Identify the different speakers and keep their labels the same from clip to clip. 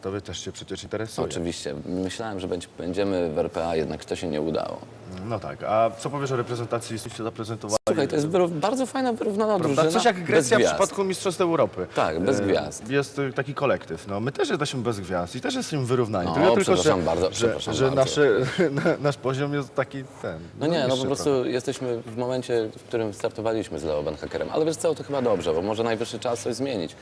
Speaker 1: Tobie też się przecież interesuje.
Speaker 2: Oczywiście. Myślałem, że będziemy w RPA, jednak to się nie udało.
Speaker 1: No tak, a co powiesz o reprezentacji, jesteście zaprezentowali?
Speaker 2: Słuchaj, to jest bardzo fajna, wyrównana
Speaker 1: Prawda?
Speaker 2: drużyna.
Speaker 1: Coś jak
Speaker 2: bez
Speaker 1: Grecja w
Speaker 2: gwiazd.
Speaker 1: przypadku Mistrzostw Europy.
Speaker 2: Tak, bez gwiazd.
Speaker 1: Jest taki kolektyw. No, my też jesteśmy bez gwiazd i też jesteśmy wyrównani.
Speaker 2: No,
Speaker 1: tylko, że
Speaker 2: bardzo.
Speaker 1: nasz poziom jest taki ten.
Speaker 2: No nie, no
Speaker 1: niższy
Speaker 2: po prostu jesteśmy w momencie, w którym startowaliśmy z Leo Benhakerem. Ale wiesz co, to chyba dobrze, bo może najwyższy czas coś zmienić.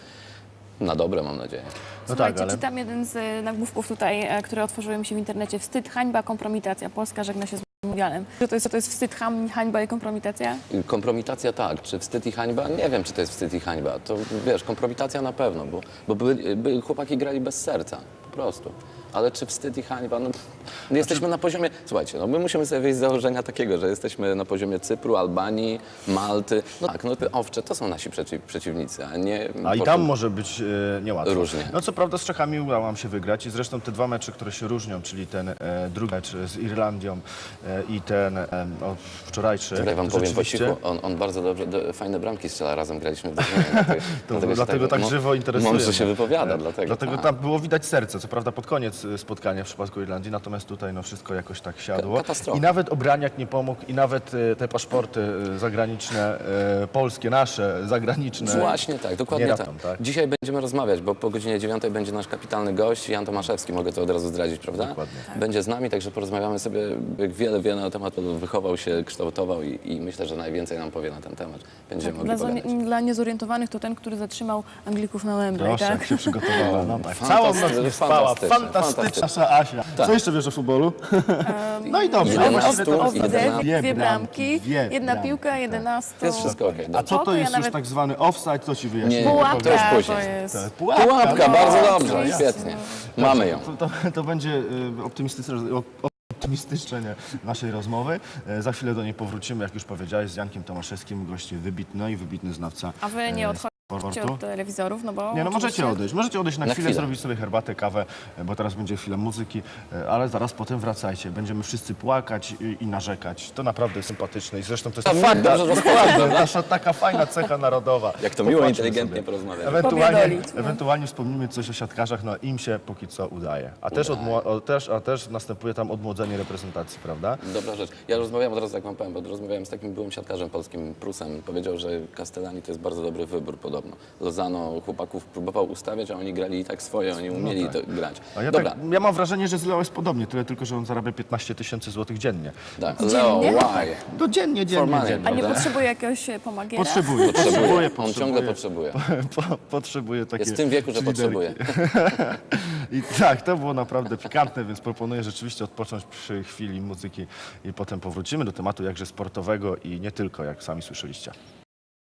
Speaker 2: Na dobre, mam nadzieję.
Speaker 1: No
Speaker 3: Słuchajcie,
Speaker 1: tak, ale...
Speaker 3: czytam jeden z nagłówków tutaj, które otworzyły mi się w internecie. Wstyd, hańba, kompromitacja. Polska żegna się z mundialem. To jest wstyd, hańba i kompromitacja?
Speaker 2: Kompromitacja tak, czy wstyd i hańba? Nie wiem, czy to jest wstyd i hańba. To wiesz, kompromitacja na pewno, bo chłopaki grali bez serca, po prostu. Ale czy wstyd i hańba? No, jesteśmy na poziomie... Słuchajcie, no my musimy sobie wyjść z założenia takiego, że jesteśmy na poziomie Cypru, Albanii, Malty. No tak, no Owcze to są nasi przeciwnicy, a nie...
Speaker 1: A i tam może być niełatwo.
Speaker 2: Różnie.
Speaker 1: No co prawda z Czechami udało nam się wygrać i zresztą te dwa mecze, które się różnią, czyli ten drugi mecz z Irlandią i ten wczorajszy.
Speaker 2: Czekaj, wam powiem po
Speaker 1: rzeczywiście-
Speaker 2: cichu, on bardzo dobrze, fajne bramki strzela, razem graliśmy w drużynie.
Speaker 1: Dlatego tak żywo interesuje.
Speaker 2: Mądrze się wypowiada, dlatego.
Speaker 1: Dlatego tam było widać serce, co prawda pod koniec spotkania w przypadku Irlandii, natomiast tutaj no wszystko jakoś tak siadło.
Speaker 2: Katastrofa.
Speaker 1: I nawet Obraniak nie pomógł i nawet te paszporty zagraniczne, polskie, nasze, zagraniczne.
Speaker 2: Właśnie tak, dokładnie
Speaker 1: nie
Speaker 2: tak.
Speaker 1: ratą, tak.
Speaker 2: Dzisiaj będziemy rozmawiać, bo po godzinie 9 będzie nasz kapitalny gość, Jan Tomaszewski, mogę to od razu zdradzić, prawda?
Speaker 1: Dokładnie.
Speaker 2: Będzie z nami, także porozmawiamy sobie wiele na temat, wychował się, kształtował i myślę, że najwięcej nam powie na ten temat. Będziemy mogli pogadać.
Speaker 3: Dla niezorientowanych to ten, który zatrzymał Anglików na Wembley,
Speaker 1: Proszę,
Speaker 3: tak?
Speaker 1: jak się przygotowała. No tak. Całą noc nie spała. Fantastyczna nasza Asia. Co jeszcze wiesz o futbolu? No i dobrze.
Speaker 2: Jeden
Speaker 1: Właściwie
Speaker 2: stół,
Speaker 1: to-
Speaker 3: Dwie bramki,
Speaker 1: dwie
Speaker 3: jedna
Speaker 1: bramki,
Speaker 3: piłka,
Speaker 1: tak.
Speaker 3: 11.
Speaker 2: Jest wszystko okej.
Speaker 1: A co to
Speaker 3: Ja
Speaker 1: jest
Speaker 3: nawet-
Speaker 1: już tak zwany offside? Co ci wyjaśnię?
Speaker 2: Nie,
Speaker 3: Pułapka
Speaker 2: to już później.
Speaker 3: to jest.
Speaker 2: Pułapka,
Speaker 1: no,
Speaker 2: bardzo dobrze,
Speaker 3: oczywiście.
Speaker 2: świetnie. Mamy ją.
Speaker 1: To będzie optymistyczne naszej rozmowy. Za chwilę do niej powrócimy, jak już powiedziałeś, z Jankiem Tomaszewskim, gościem wybitny znawca
Speaker 3: A wy nie odchodźcie
Speaker 1: sportu.
Speaker 3: od telewizorów, no bo...
Speaker 1: Nie, no możecie
Speaker 3: oczywiście-
Speaker 1: odejść. Możecie odejść na
Speaker 2: Na
Speaker 1: chwilę,
Speaker 2: chwilę.
Speaker 1: zrobić sobie herbatę, kawę, bo teraz będzie chwila muzyki, ale zaraz potem wracajcie. Będziemy wszyscy płakać i narzekać. To naprawdę sympatyczne i zresztą to jest
Speaker 2: Fakt, dobrze rozkładam.
Speaker 1: nasza taka fajna cecha narodowa.
Speaker 2: Jak to miło,
Speaker 1: Popatrzmy
Speaker 2: inteligentnie
Speaker 1: sobie.
Speaker 2: porozmawiać.
Speaker 3: Pobiadolić, no.
Speaker 1: Ewentualnie wspomnimy coś o siatkarzach, no im się póki co udaje. A też następuje tam odmłodzenie reprezentacji, prawda?
Speaker 2: Dobra rzecz. Ja rozmawiałem od razu, jak wam powiem, bo rozmawiałem z takim byłym siatkarzem polskim, Prusem. Powiedział, że Castellani to jest bardzo dobry wybór podobno. Lozano chłopaków próbował ustawiać, a oni grali i tak swoje, oni umieli
Speaker 1: tak.
Speaker 2: to grać.
Speaker 1: A
Speaker 2: Dobra,
Speaker 1: ja mam wrażenie, że z Leo jest podobnie, tyle tylko, że on zarabia 15 000 złotych dziennie.
Speaker 2: tak. Leo,
Speaker 3: Dziennie?
Speaker 2: why?
Speaker 1: No dziennie,
Speaker 2: Formalnie.
Speaker 3: A nie
Speaker 2: Prawda?
Speaker 3: potrzebuje jakiegoś pomagiera?
Speaker 1: Potrzebuje.
Speaker 2: On ciągle potrzebuje.
Speaker 1: Potrzebuje takie...
Speaker 2: Jest w tym wieku, że
Speaker 1: liderki.
Speaker 2: potrzebuje.
Speaker 1: I tak, to było naprawdę pikantne, więc proponuję rzeczywiście odpocząć przy chwili muzyki i potem powrócimy do tematu jakże sportowego i nie tylko, jak sami słyszeliście.